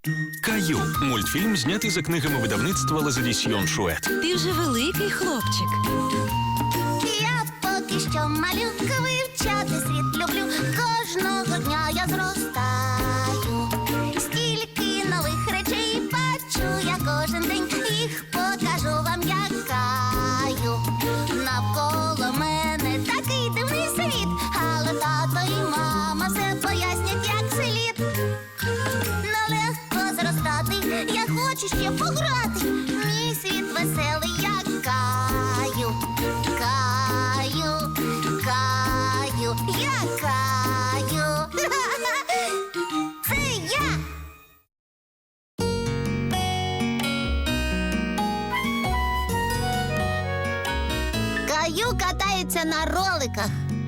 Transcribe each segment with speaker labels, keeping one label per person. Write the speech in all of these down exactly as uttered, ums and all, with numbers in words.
Speaker 1: Каю – мультфільм, знятий за книгами видавництва Лазадісьйон Шует.
Speaker 2: Ти вже великий хлопчик.
Speaker 3: Я поки що малюка, вивчати світ люблю. Кожного дня я зростаю. Стільки нових речей бачу я кожен день. Їх покажу вам, як Каю. Навколо мене такий дивний світ, але тато і мама все пояснять, як слід. Нелегко зростати, я хочу ще пограти. Мій світ веселий, як Каю. Каю, Каю, я Каю. Це я. Каю катається на роликах.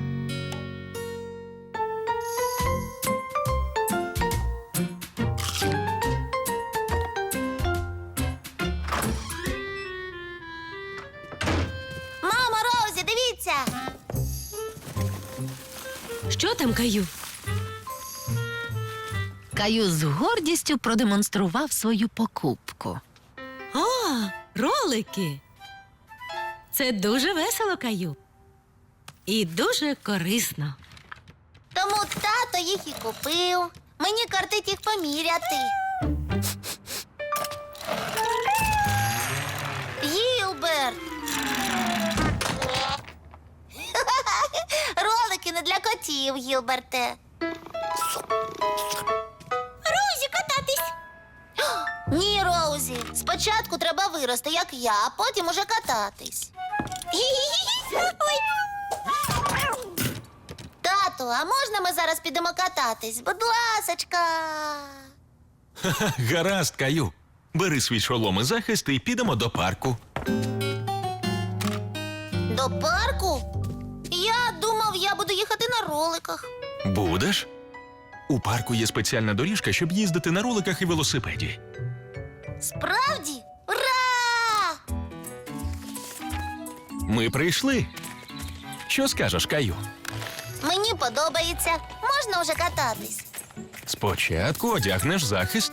Speaker 3: Мамо, Роузі, дивіться!
Speaker 2: Що там, Каю?
Speaker 4: Каю з гордістю продемонстрував свою покупку.
Speaker 2: О, ролики! Це дуже весело, Каю. І дуже корисно.
Speaker 3: Тому тато їх і купив. Мені кортить їх поміряти. Гілберт! Ролики не для котів, Гілберте. Роузі, кататись! Ні, Роузі. Спочатку треба вирости, як я, а потім уже кататись. Ой. Тату, а можна ми зараз підемо кататись? Будь ласочка.
Speaker 1: Гаразд, Каю. Бери свій шолом і захист і підемо до парку.
Speaker 3: До парку? Я думав, я буду їхати на роликах.
Speaker 1: Будеш? У парку є спеціальна доріжка, щоб їздити на роликах і велосипеді.
Speaker 3: Справді? Ура!
Speaker 1: Ми прийшли. Що скажеш, Каю?
Speaker 3: Мені подобається. Можна вже кататись.
Speaker 1: Спочатку одягнеш захист.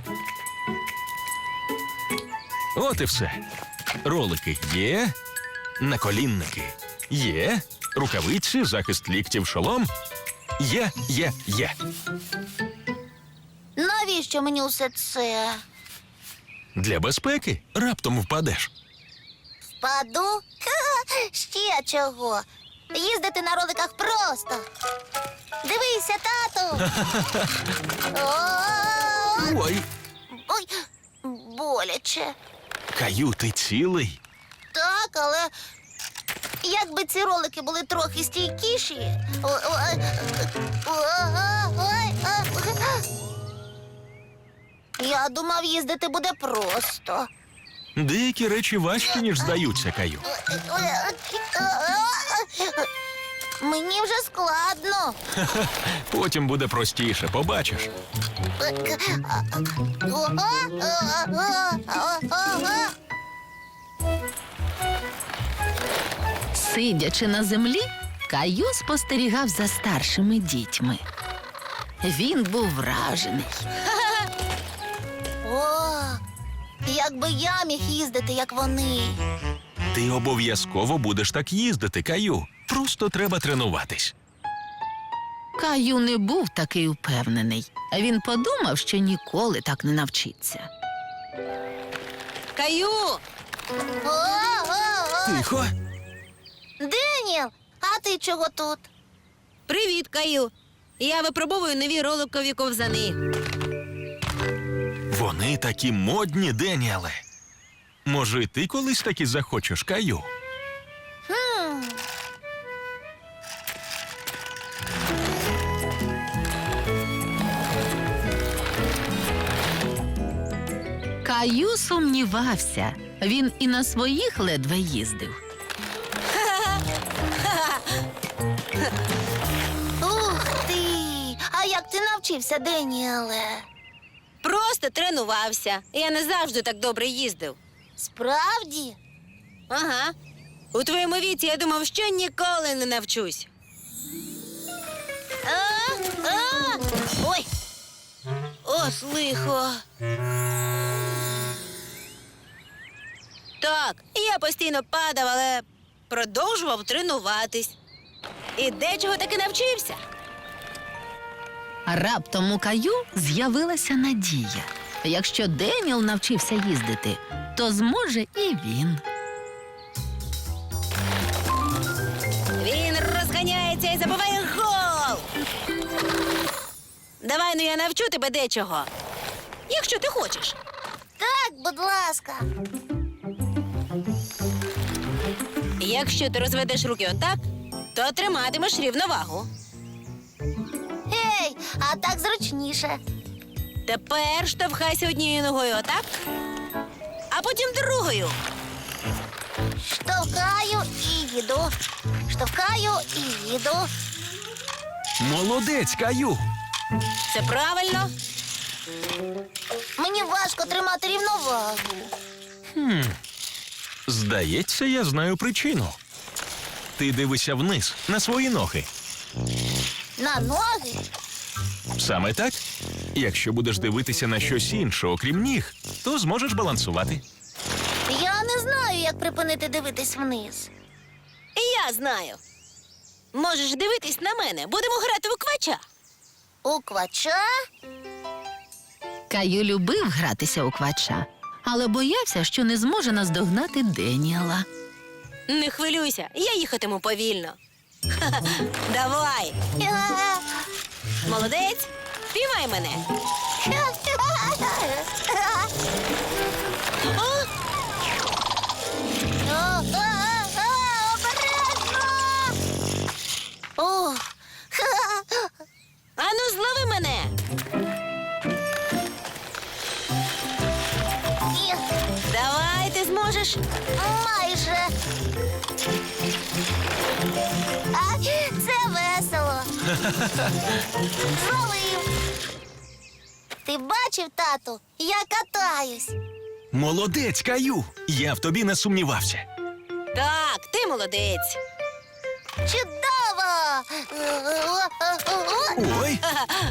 Speaker 1: От і все. Ролики є, наколінники є, рукавиці, захист ліктів, шолом. Є, є, є.
Speaker 3: Навіщо мені усе це?
Speaker 1: Для безпеки раптом впадеш.
Speaker 3: Впаду? Ха-ха, ще чого? Їздити на роликах просто. Дивися, тату. О,
Speaker 1: Ой,
Speaker 3: ой, боляче.
Speaker 1: Каю, ти цілий?
Speaker 3: Так, але якби ці ролики були трохи стійкіші. О, о, е, о, о, ой, а. Я думав, їздити буде просто.
Speaker 1: Деякі речі важчі, ніж здаються, Каю.
Speaker 3: Мені вже складно.
Speaker 1: Потім буде простіше, побачиш.
Speaker 4: Сидячи на землі, Каю спостерігав за старшими дітьми. Він був вражений.
Speaker 3: О, якби я міг їздити, як вони.
Speaker 1: Ти обов'язково будеш так їздити, Каю. Просто треба тренуватись.
Speaker 4: Каю не був такий упевнений. Він подумав, що ніколи так не навчиться.
Speaker 2: Каю!
Speaker 3: О-о-о!
Speaker 1: Тихо.
Speaker 3: Деніел, а ти чого тут?
Speaker 2: Привіт, Каю! Я випробовую нові роликові ковзани.
Speaker 1: Вони такі модні, Деніеле. Може, ти колись таки захочеш, Каю?
Speaker 3: Хм.
Speaker 4: Каю сумнівався. Він і на своїх ледве їздив.
Speaker 3: Ух ти! А як ти навчився, Деніеле?
Speaker 2: Просто тренувався. Я не завжди так добре їздив.
Speaker 3: Справді?
Speaker 2: Ага. У твоєму віці я думав, що ніколи не навчусь.
Speaker 3: А, а, ой.
Speaker 2: От лихо. Так, я постійно падав, але продовжував тренуватись. І дечого таки навчився.
Speaker 4: А раптом у Каю з'явилася надія. Якщо Деніел навчився їздити, то зможе і він.
Speaker 2: Він розганяється і забиває гол. Давай, ну я навчу тебе дечого. Якщо ти хочеш.
Speaker 3: Так, будь ласка.
Speaker 2: Якщо ти розведеш руки отак, то триматимеш рівновагу.
Speaker 3: Ей, а так зручніше.
Speaker 2: Тепер штовхайся однією ногою отак, а потім другою.
Speaker 3: Штовхаю і їду. Штовхаю і їду.
Speaker 1: Молодець, Каю.
Speaker 2: Це правильно.
Speaker 3: Мені важко тримати рівновагу.
Speaker 1: Хм. Здається, я знаю причину. Ти дивишся вниз на свої ноги.
Speaker 3: На ноги?
Speaker 1: Саме так? Якщо будеш дивитися на щось інше, окрім ніг, то зможеш балансувати.
Speaker 3: Я не знаю, як припинити дивитись вниз.
Speaker 2: І я знаю. Можеш дивитись на мене. Будемо грати у квача.
Speaker 3: У квача?
Speaker 4: Каю любив гратися у квача, але боявся, що не зможе наздогнати Деніела.
Speaker 2: Не хвилюйся, я їхатиму повільно. Ха-ха. Давай.
Speaker 3: Я-
Speaker 2: Молодець. Піймай мене. О,
Speaker 3: О, а, а, обережно! О,
Speaker 2: ану, злови мене.
Speaker 3: ні,
Speaker 2: Давай, ти зможеш.
Speaker 3: майже. А, це весело. Зловив. Ти бачив, тату? Я катаюсь.
Speaker 1: Молодець, Каю. Я в тобі не сумнівався.
Speaker 2: Так, ти молодець.
Speaker 3: Чудово!
Speaker 1: Ой,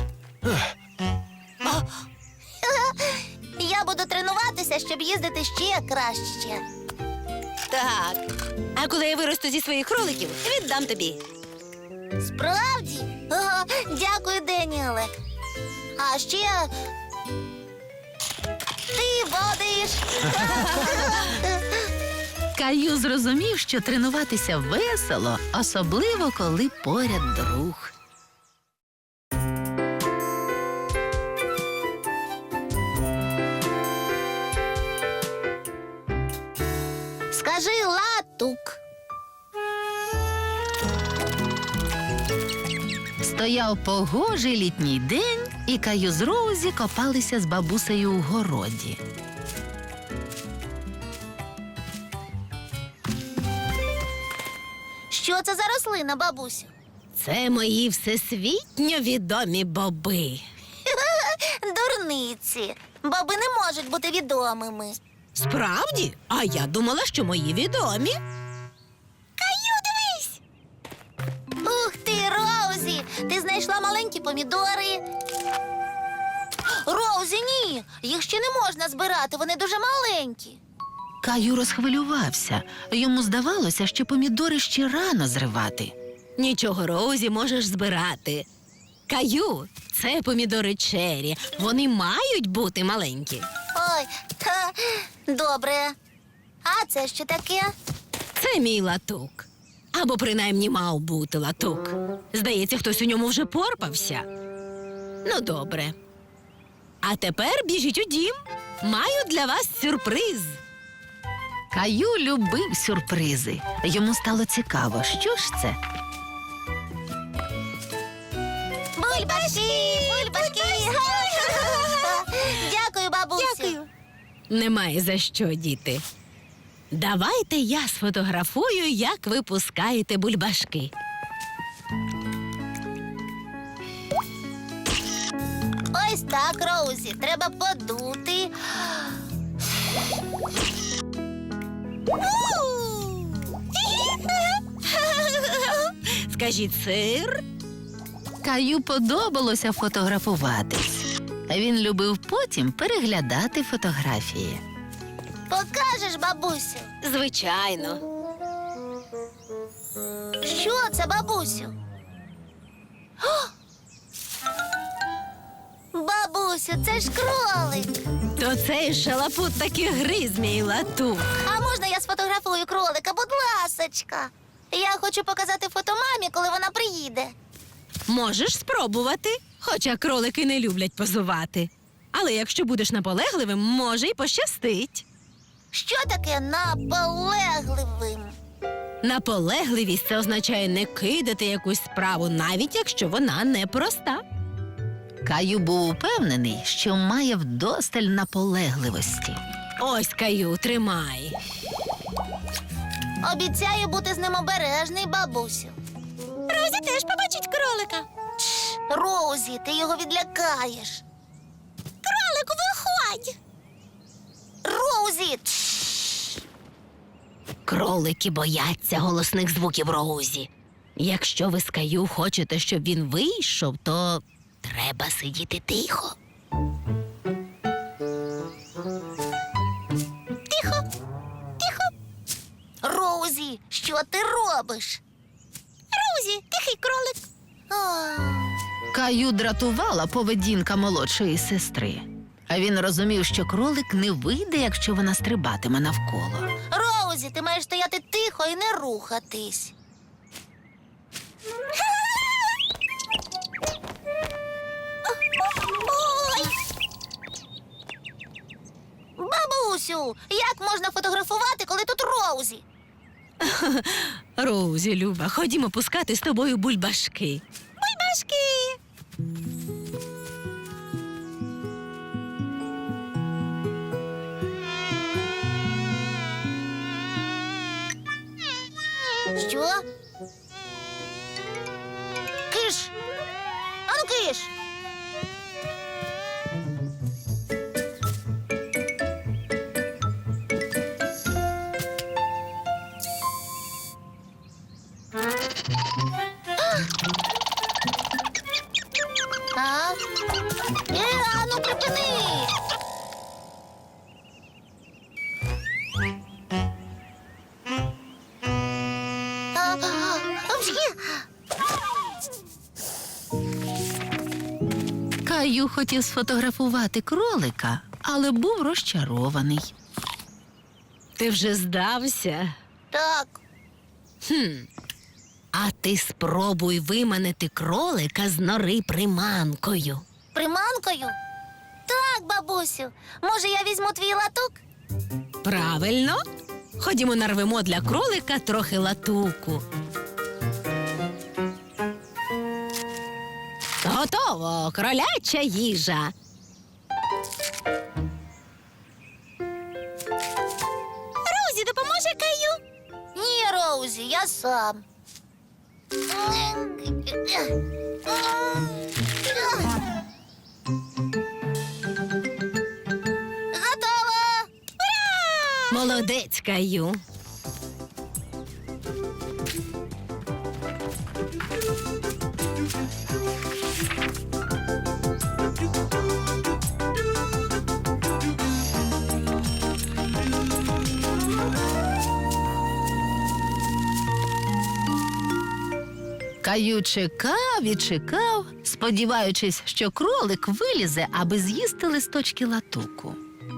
Speaker 3: Я буду тренуватися, щоб їздити ще краще.
Speaker 2: Так. А коли я виросту зі своїх кроликів, віддам тобі.
Speaker 3: Справді? О, дякую, Деніеле. А ще ти водиш.
Speaker 4: Каю зрозумів, що тренуватися весело, особливо коли поряд друг.
Speaker 3: Скажи латук.
Speaker 4: Стояв погожий літній день, і Каю з Роузі копалися з бабусею у городі.
Speaker 3: Що це за рослина, бабусю?
Speaker 2: Це мої всесвітньо відомі боби.
Speaker 3: Дурниці. Боби не можуть бути відомими.
Speaker 2: Справді? А я думала, що мої відомі.
Speaker 3: Каю, дивись! Ух ти, Роузі! Ти знайшла маленькі помідори. Роузі, ні! Їх ще не можна збирати, вони дуже маленькі.
Speaker 4: Каю розхвилювався. Йому здавалося, що помідори ще рано зривати.
Speaker 2: Нічого, Роузі, можеш збирати. Каю, це помідори чері. Вони мають бути маленькі.
Speaker 3: Ой, ха, добре. А це що таке?
Speaker 2: Це мій латук. Або принаймні мав бути латук. Здається, хтось у ньому вже порпався. Ну, добре. А тепер біжіть у дім. Маю для вас сюрприз.
Speaker 4: Каю любив сюрпризи. Йому стало цікаво, що ж це?
Speaker 3: Бульбашки! Бульбашки! Дякую, бабусю.
Speaker 2: Немає за що, діти. Давайте я сфотографую, як ви пускаєте бульбашки.
Speaker 3: Ось так, Роузі. Треба подути.
Speaker 2: Скажіть сир.
Speaker 4: Каю подобалося фотографуватись. Він любив потім переглядати фотографії.
Speaker 3: Покажеш, бабусю?
Speaker 2: Звичайно.
Speaker 3: Що це, бабусю? О! Бабусю, це ж кролик.
Speaker 2: То цей шалапут таки гриз, мій латук.
Speaker 3: А можна я сфотографую кролика, будь ласочка? Я хочу показати фото мамі, коли вона приїде.
Speaker 2: Можеш спробувати, хоча кролики не люблять позувати. Але якщо будеш наполегливим, може й пощастить.
Speaker 3: Що таке наполегливим?
Speaker 2: Наполегливість це означає не кидати якусь справу, навіть якщо вона непроста.
Speaker 4: Каю був упевнений, що має вдосталь наполегливості.
Speaker 2: Ось, Каю, тримай.
Speaker 3: Обіцяю бути з ним обережний, бабусю.
Speaker 2: Розі теж побачить кролика.
Speaker 3: Тш, Роузі, ти його відлякаєш. Кролику, виходь! Роузі! Тш.
Speaker 2: Кролики бояться голосних звуків Роузі. Якщо ви з Каю хочете, щоб він вийшов, то треба сидіти тихо.
Speaker 3: Тихо, тихо. Роузі, що ти робиш? Роузі, тихий кролик. А,
Speaker 4: Каю дратувала поведінка молодшої сестри. А він розумів, що кролик не вийде, якщо вона стрибатиме навколо.
Speaker 3: Роузі, ти маєш стояти тихо і не рухатись. Ой! Бабусю, як можна фотографувати, коли тут Роузі?
Speaker 2: Роузі, Люба, ходімо пускати з тобою бульбашки.
Speaker 3: Бульбашки! Що? Киш! Ану, киш! А? Е, ану, припини! А, а, взгі!
Speaker 4: Каю хотів сфотографувати кролика, але був розчарований.
Speaker 2: Ти вже здався?
Speaker 3: Так,
Speaker 2: Хм. А ти спробуй виманити кролика з нори приманкою.
Speaker 3: приманкою? Так, бабусю. Може, я візьму твій латок?
Speaker 2: Правильно? Ходімо нарвемо для кролика трохи латуку. Готово, кроляча їжа.
Speaker 3: Роузі, допоможе Каю? Ні, Роузі, я сам. Готово!
Speaker 2: Молодець, Каю.
Speaker 4: Каю чекав і чекав, сподіваючись, що кролик вилізе, аби з'їсти листочки латуку.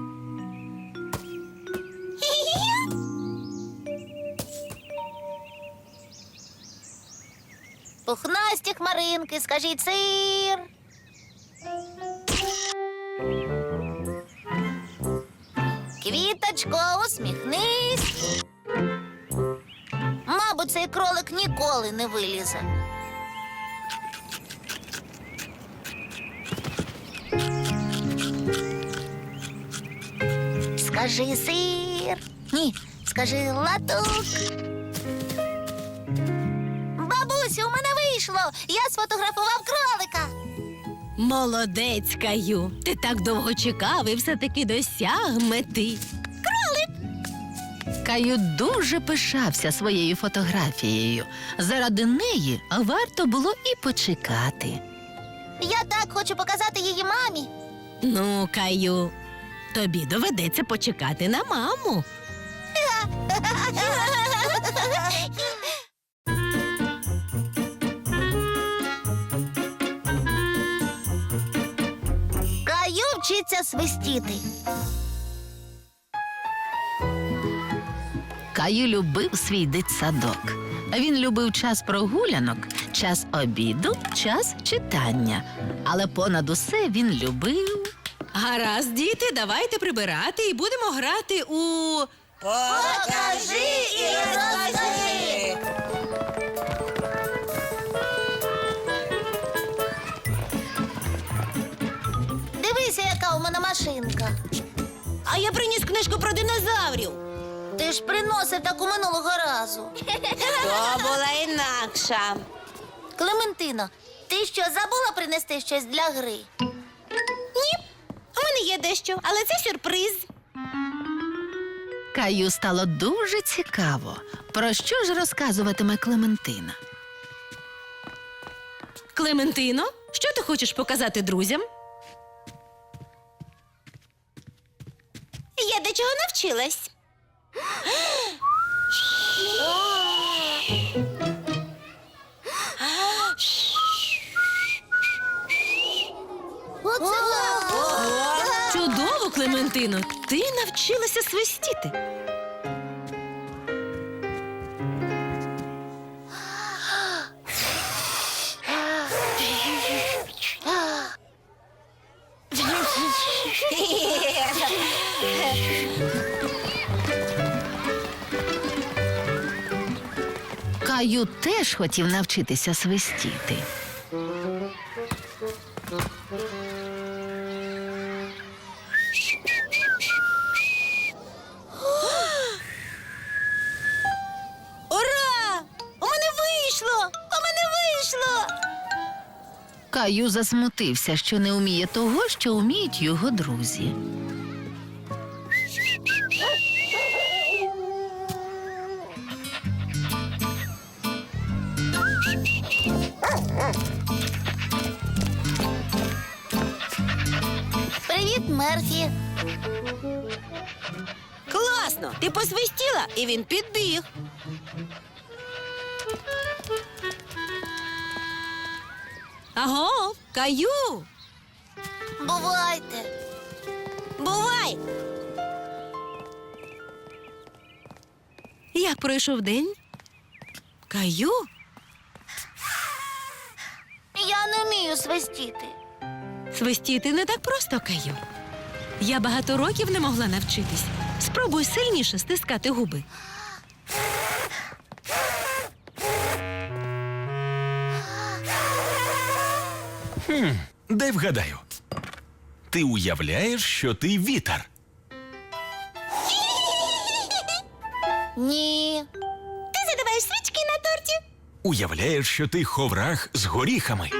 Speaker 3: Пухнасті хмаринки, скажіть сир. Квіточко, усміхнись. Мабуть, цей кролик ніколи не вилізе. Скажи сир. Ні, скажи латук. Бабусю, у мене вийшло. Я сфотографував кролика.
Speaker 2: Молодець, Каю. Ти так довго чекав і все-таки досяг мети.
Speaker 4: Каю дуже пишався своєю фотографією. Заради неї варто було і почекати.
Speaker 3: Я так хочу показати її мамі.
Speaker 2: Ну, Каю, тобі доведеться почекати на маму.
Speaker 3: Каю вчиться свистіти.
Speaker 4: Каю любив свій дитсадок. Він любив час прогулянок, час обіду, час читання. Але понад усе він любив.
Speaker 2: Гаразд, діти, давайте прибирати і будемо грати у.
Speaker 3: Покажи і розкажи. Дивися, яка у мене машинка.
Speaker 2: А я приніс книжку про динозаврів.
Speaker 3: Ти ж приносив таку минулого разу.
Speaker 2: То була інакша.
Speaker 3: Клементино, ти що, забула принести щось для гри?
Speaker 2: Ні, у мене є дещо, але це сюрприз.
Speaker 4: Каю стало дуже цікаво. Про що ж розказуватиме Клементина?
Speaker 2: Клементино, що ти хочеш показати друзям? Я до чого навчилась.
Speaker 3: Оце
Speaker 2: Чудово, Клементино, ти навчилася свистіти.
Speaker 4: Каю теж хотів навчитися свистіти.
Speaker 2: Ура! У мене вийшло! У мене вийшло!
Speaker 4: Каю засмутився, що не вміє того, що вміють його друзі.
Speaker 3: Привіт, Мерфі.
Speaker 2: Класно! Ти посвистіла, і він підбіг. Аго, Каю!
Speaker 3: Бувайте.
Speaker 2: Бувай! Як пройшов день? Каю?
Speaker 3: Я не вмію свистіти.
Speaker 2: Свистіти не так просто, Каю. Я багато років не могла навчитись. Спробуй сильніше стискати губи.
Speaker 1: Хм, дай вгадаю. Ти уявляєш, що ти вітер.
Speaker 3: Ні.
Speaker 2: Ти задуваєш свічки на торті?
Speaker 1: Уявляєш, що ти ховрах з горіхами.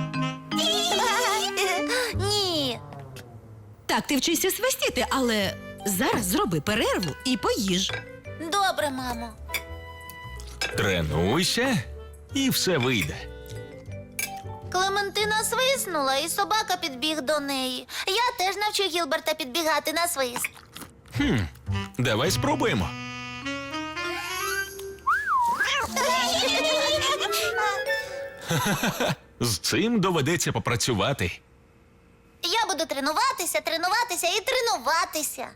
Speaker 3: Ні.
Speaker 2: Так, ти вчишся свистіти, але зараз зроби перерву і поїж.
Speaker 3: Добре, мамо.
Speaker 1: Тренуйся, і все вийде.
Speaker 3: Клементина свиснула, і собака підбіг до неї. Я теж навчу Гілберта підбігати на свист.
Speaker 1: Хм, давай спробуємо. З цим доведеться попрацювати.
Speaker 3: Я буду тренуватися, тренуватися і тренуватися.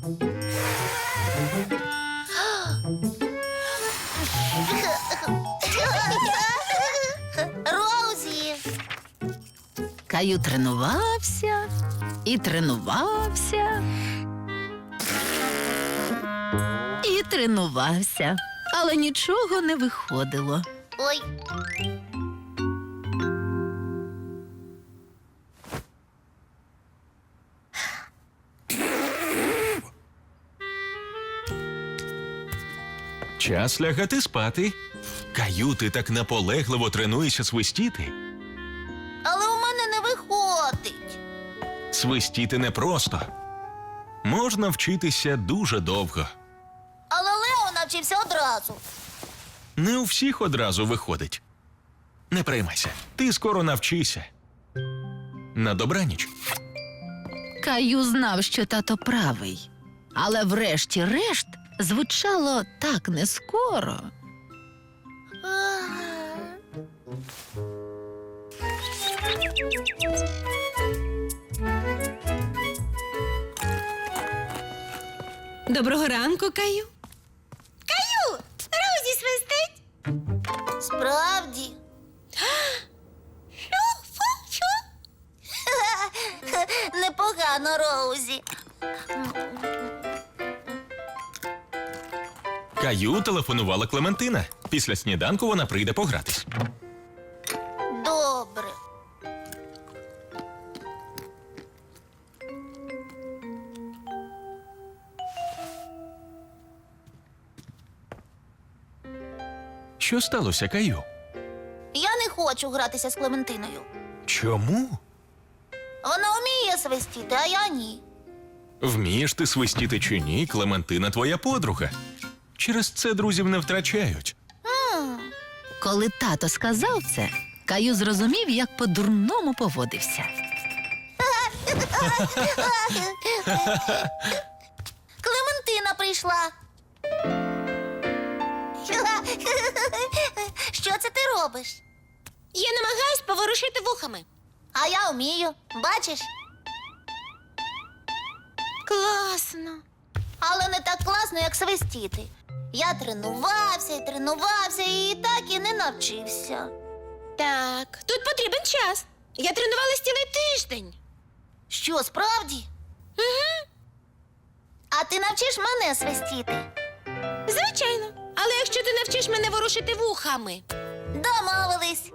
Speaker 3: Роузі.
Speaker 4: Каю тренувався і тренувався. І тренувався, але нічого не виходило.
Speaker 3: Ой.
Speaker 1: Час лягати спати. Каю, ти так наполегливо тренуєшся свистіти.
Speaker 3: Але у мене не виходить.
Speaker 1: Свистіти непросто. Можна вчитися дуже довго.
Speaker 3: Але Лео навчився одразу.
Speaker 1: Не у всіх одразу виходить. Не переймайся, ти скоро навчишся. На добраніч.
Speaker 4: Каю знав, що тато правий, але врешті-решт звучало так нескоро.
Speaker 2: Доброго ранку, Каю. Каю, Розі свистить.
Speaker 3: Справді. Непогано, Роузі.
Speaker 1: Каю телефонувала Клементина. Після сніданку вона прийде погратись.
Speaker 3: Добре.
Speaker 1: Що сталося, Каю?
Speaker 3: Я не хочу гратися з Клементиною.
Speaker 1: Чому?
Speaker 3: Вона вміє свистіти, а я ні.
Speaker 1: Вмієш ти свистіти чи ні, Клементина твоя подруга. Через це друзів не втрачають.
Speaker 3: М,
Speaker 4: Коли тато сказав це, Каю зрозумів, як по-дурному поводився.
Speaker 3: Клементина прийшла. Що це ти робиш?
Speaker 2: Я намагаюсь поворушити вухами.
Speaker 3: А я вмію. Бачиш?
Speaker 2: Класно.
Speaker 3: Але не так класно, як свистіти. Я тренувався і тренувався і так і не навчився.
Speaker 2: Так, тут потрібен час. Я тренувалась цілий тиждень.
Speaker 3: Що, справді?
Speaker 2: Угу.
Speaker 3: А ти навчиш мене свистіти?
Speaker 2: Звичайно. Але якщо ти навчиш мене ворушити вухами.
Speaker 3: Домовились.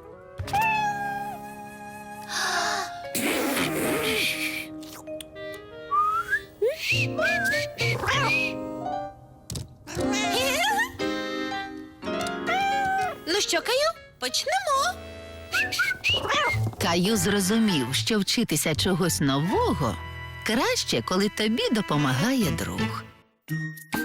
Speaker 2: Ну що, Каю, почнемо.
Speaker 4: Каю зрозумів, що вчитися чогось нового краще, коли тобі допомагає друг.